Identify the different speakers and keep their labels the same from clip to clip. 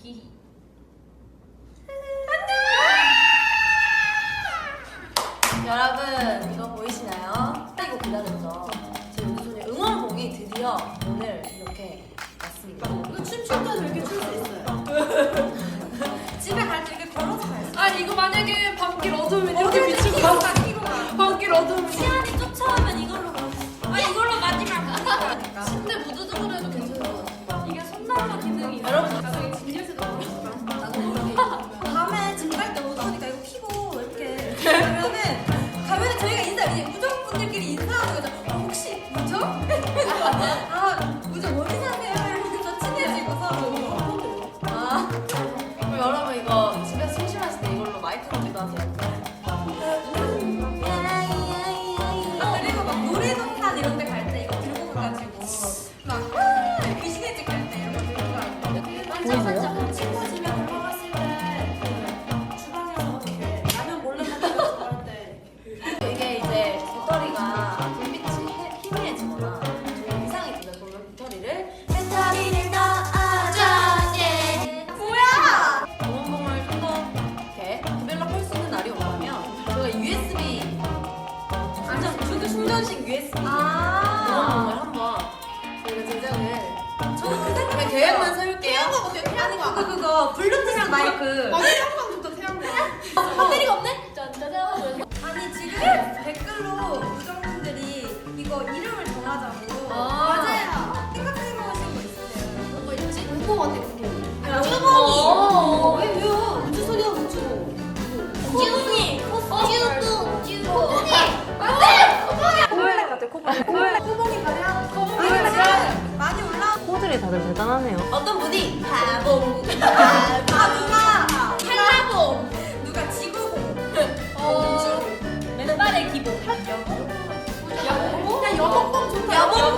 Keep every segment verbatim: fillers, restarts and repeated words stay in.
Speaker 1: 히히.
Speaker 2: 여러분 이거 보이시나요? 이거 기다렸죠? 제 우주소녀 응원봉이 드디어 오늘 이렇게 왔습니다.
Speaker 3: 이거 춤출 때도 이렇게 출 수 있어요. 집에 갈 때 이렇게 걸어서 갈 수 있어요.
Speaker 1: 아 이거 만약에 밤길 어두우면 이렇게 비추고 가. 밤길 어두우면
Speaker 3: 시안이 쫓아오면 이걸로 가.
Speaker 1: 아 이걸로 마지막 가니까. 침대 무드등으로 해도 괜찮아.
Speaker 3: 이게 손난로 기능이 있어요.
Speaker 2: 여러분
Speaker 1: 나중에 진열쇠도 모르겠다.
Speaker 3: 나도 모르게. 밤에 집 갈 때 무서우니까 이거 키고 이렇게 그러면은 가면은 저희가 인사 이제 우정분들끼리 인사하는 거죠. 어, 혹시 우정? 아 우정 어디 사세요? 이러면서 친해지고서
Speaker 2: 아 그럼 여러분 이거 집에서 심심하실 때 이걸로 마이크 거기도 하세요.
Speaker 3: 아, 그리고 막 놀이동산 이런 데 갈 때 이거 들고 가가지고 막 아, 귀신의 집 갈 때 이런 거 들고 가고
Speaker 2: 보이세요?
Speaker 3: 친구집에 들어갔을 때 주방에서 이렇게 라면 몰래 먹고 할 때
Speaker 2: 이게 이제 배터리가 불빛이 해- 희미해지거나 좀 이상이 되면 그러면 배터리를
Speaker 3: 배터리를 넣어줘 예. 뭐야?
Speaker 2: 응원봉을 좀 더 이렇게 디벨롭할 수 있는 날이 온다면 저희가 유에스비 충전, 충전, 충전식 유에스비
Speaker 3: 아
Speaker 2: 응원봉을 한번 저희가 제작을
Speaker 3: 저는 그 생각
Speaker 2: 그냥 계획만 세울게요.
Speaker 3: 아니 그거 그거 블루투스 마이크
Speaker 1: 태양광 좋다 태양광.
Speaker 3: 배터리가 없네?
Speaker 1: 짠짜잔.
Speaker 3: 아니 지금 댓글로 우정분들이 이거 이름을 정하자고
Speaker 1: 아.
Speaker 3: 맞아요 생각해보신 거 있으세요?
Speaker 1: 뭐 있지? 궁금한데 궁금해.
Speaker 2: 어.
Speaker 3: 왜 왜요? 우주소녀 우주고
Speaker 1: 쭈니. 쭈뚱 쭈.
Speaker 2: 코블레 같아 코블레
Speaker 3: 코블레 코봉이 가냐?
Speaker 1: 코봉이
Speaker 3: 가냐? 많이 올라
Speaker 2: 코들이 다들 대단하네요. 어떤 분이
Speaker 3: 바보 아 누가
Speaker 1: 한라봉.
Speaker 3: 누가 지구봉
Speaker 1: 어.
Speaker 2: 맨발의 기본.
Speaker 1: 여봉?
Speaker 3: 야 여봉봉 좋다
Speaker 2: 여봉봉!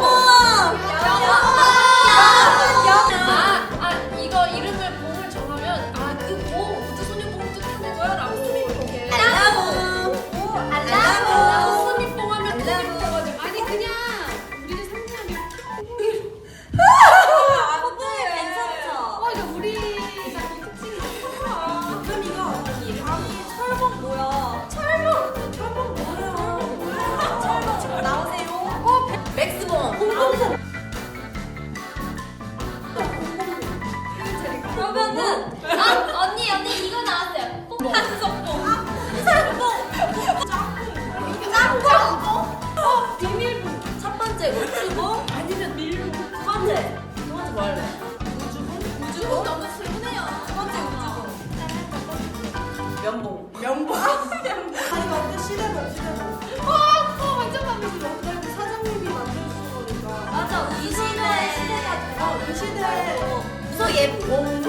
Speaker 1: 아, 아 이거 이름을 봉을 정하면 아그봉 우주소녀봉 뜻하는 거야라고 이렇게.
Speaker 3: 오 알람
Speaker 1: 아, 소니뽕 하면 봉이 붙어가지고 아니 그냥 우리를 상징하게
Speaker 3: 코봉이 괜찮죠?
Speaker 1: 와 이거 우리가 이 특징이 좋구나.
Speaker 3: 그럼 이거 아니 철봉 뭐야? 철봉 철봉 뭐예요? 뭐야? 철봉 지금 나오세요? 어
Speaker 2: 맥스봉.
Speaker 3: 공공봉 그러면은
Speaker 1: 아 언니 언니 이거 나왔어요. 뽕뽕.
Speaker 3: 한석봉 한석봉 짬뽕 짬뽕 어 비밀봉
Speaker 2: 첫 번째 우주봉.
Speaker 3: 아니면 밀봉
Speaker 2: 두 번째. 두 번째 뭐 할래?
Speaker 3: 우주봉
Speaker 1: 우주봉 너무 슬프네요.
Speaker 3: 두 번째 우주봉
Speaker 2: 면봉.
Speaker 3: 면봉 아니 완전 시대봉 시대봉
Speaker 1: 와 어, 완전 마음에 들어.
Speaker 3: 그리고 사장님이 만드신 거니까
Speaker 2: 맞아.
Speaker 3: 이 시대 시대가 어, 이 시대
Speaker 2: 무서 예봉.